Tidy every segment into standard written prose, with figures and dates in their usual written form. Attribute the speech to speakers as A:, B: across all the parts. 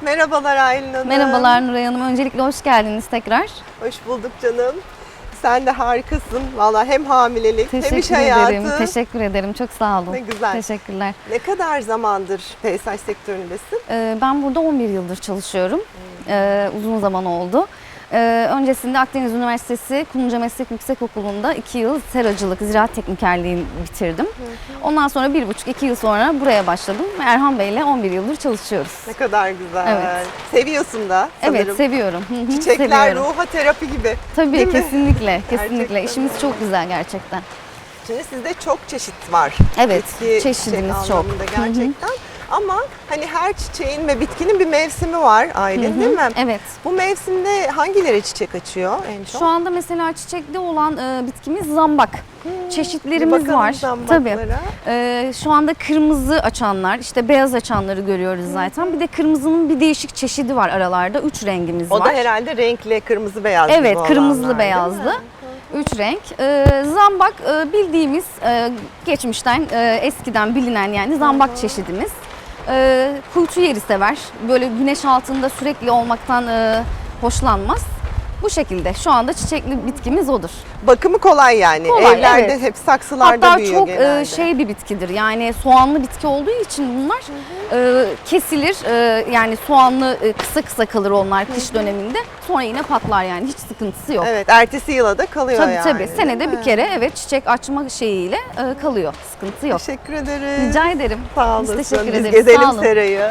A: Merhabalar Aylin Hanım.
B: Merhabalar Nuray Hanım. Öncelikle hoş geldiniz tekrar.
A: Hoş bulduk canım. Sen de harikasın. Vallahi hem hamilelik hem iş
B: Teşekkür
A: hayatı.
B: ederim. Teşekkür ederim. Çok sağ olun.
A: Ne güzel.
B: Teşekkürler.
A: Ne kadar zamandır peyzaj sektöründesin?
B: Ben burada 11 yıldır çalışıyorum. Uzun zaman oldu. Öncesinde Akdeniz Üniversitesi Kumluca Meslek Yüksekokulu'nda 2 yıl seracılık, ziraat teknikerliğini bitirdim. Ondan sonra 1,5-2 yıl sonra buraya başladım. Erhan Bey'le 11 yıldır çalışıyoruz.
A: Ne kadar güzel.
B: Evet.
A: Seviyorsun da sanırım.
B: Evet, seviyorum.
A: Çiçekler
B: Seviyorum.
A: ruha terapi gibi.
B: Tabii,
A: Değil mi?
B: kesinlikle.
A: Gerçekten
B: Kesinlikle. İşimiz
A: öyle.
B: çok güzel gerçekten.
A: Şimdi sizde çok çeşit var.
B: Evet,
A: Bitki,
B: çeşidimiz
A: çiçek
B: çok.
A: anlamında gerçekten. Ama hani her çiçeğin ve bitkinin bir mevsimi var Aylin, değil mi?
B: Evet.
A: Bu mevsimde hangileri çiçek açıyor en çok?
B: Şu anda mesela çiçekli olan bitkimiz zambak.
A: Bir
B: Çeşitlerimiz
A: bakalım
B: var.
A: zambaklara.
B: Tabii. Şu anda kırmızı açanlar, işte beyaz açanları görüyoruz zaten. Bir de kırmızının bir değişik çeşidi var aralarda. 3 rengimiz
A: O
B: var.
A: da herhalde renkli, kırmızı beyazlı.
B: Evet,
A: bu
B: kırmızılı
A: olanlar,
B: beyazlı.
A: değil mi?
B: 3 renk. Zambak bildiğimiz geçmişten eskiden bilinen yani zambak çeşidimiz. Kuytu yeri sever. Böyle güneş altında sürekli olmaktan hoşlanmaz. Bu şekilde şu anda çiçekli bitkimiz odur.
A: Bakımı kolay yani.
B: Kolay,
A: Evlerde
B: evet.
A: hep saksılarda
B: Hatta
A: büyüyor
B: çok
A: genelde.
B: şey bir bitkidir. Yani soğanlı bitki olduğu için bunlar kesilir. Yani soğanlı kısa kısa kalır onlar kış döneminde. Sonra yine patlar yani hiç sıkıntısı yok.
A: Evet, ertesi yıla da kalıyor
B: Tabii
A: yani.
B: tabii.
A: değil
B: Senede
A: mi?
B: bir kere evet çiçek açma şeyiyle kalıyor. Sıkıntı yok.
A: Teşekkür ederim.
B: Rica ederim.
A: Sağ
B: Biz
A: olasın.
B: teşekkür
A: Biz
B: ederiz.
A: gezelim
B: Sağ olun.
A: serayı.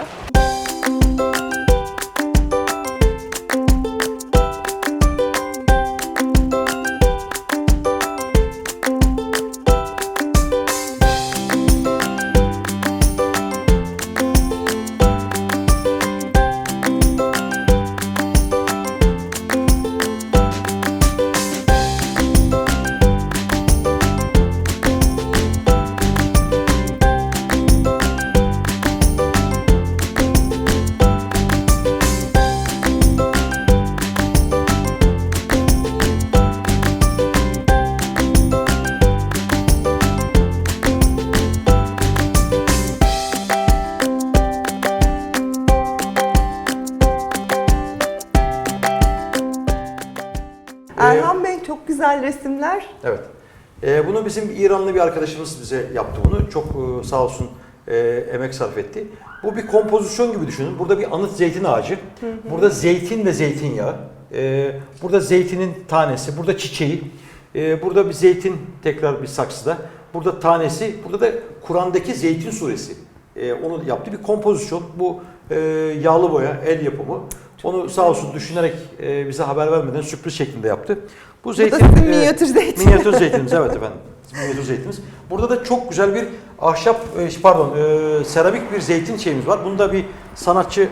A: Erhan Bey çok güzel resimler.
C: Evet. Bunu bizim İranlı bir arkadaşımız bize yaptı bunu. Çok sağ olsun emek sarf etti. Bu bir kompozisyon gibi düşünün. Burada bir anıt zeytin ağacı. Burada zeytin ve zeytinyağı. Burada zeytinin tanesi, burada çiçeği. Burada bir zeytin tekrar bir saksıda. Burada tanesi, burada da Kur'an'daki Zeytin suresi. Onu yaptı. Bir kompozisyon. Bu yağlı boya, el yapımı. Onu sağ olsun düşünerek bize haber vermeden sürpriz şeklinde yaptı. Bu zeytin,
A: sizin minyatür zeytin.
C: Minyatür zeytinimiz, evet efendim. Minyatür zeytinimiz. Burada da çok güzel bir ahşap, seramik bir zeytin şeyimiz var. Bunda bir sanatçı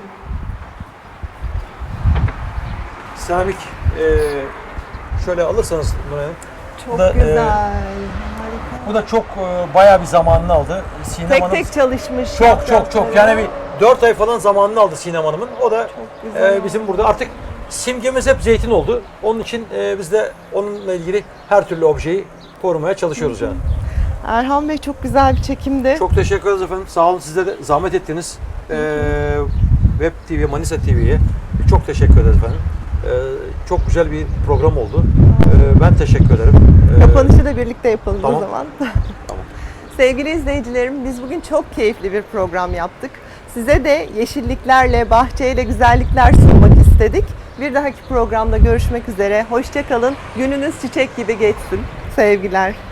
C: seramik şöyle alırsanız Nuray Hanım.
A: Çok
C: Bu da,
A: güzel. Harika.
C: Bu da çok bayağı bir zamanını aldı. Sinem
A: Tek
C: Hanım
A: tek çalışmış.
C: çok yani bir 4 ay falan zamanını aldı Sinem Hanım'ın. O da
A: güzel.
C: bizim burada artık simgemiz hep zeytin oldu. Onun için biz de onunla ilgili her türlü objeyi korumaya çalışıyoruz yani.
A: Erhan Bey çok güzel bir çekimdi.
C: Çok teşekkür ederiz efendim. Sağ olun, size de zahmet ettiniz. Web TV, Manisa TV'ye çok teşekkür ederiz efendim. Çok güzel bir program oldu. Ben teşekkür ederim.
A: Kapanışı da birlikte yapalım
C: Tamam.
A: o zaman.
C: Tamam.
A: Sevgili izleyicilerim, biz bugün çok keyifli bir program yaptık. Size de yeşilliklerle, bahçeyle güzellikler sunmak istedik. Bir dahaki programda görüşmek üzere. Hoşça kalın. Gününüz çiçek gibi geçsin. Sevgiler.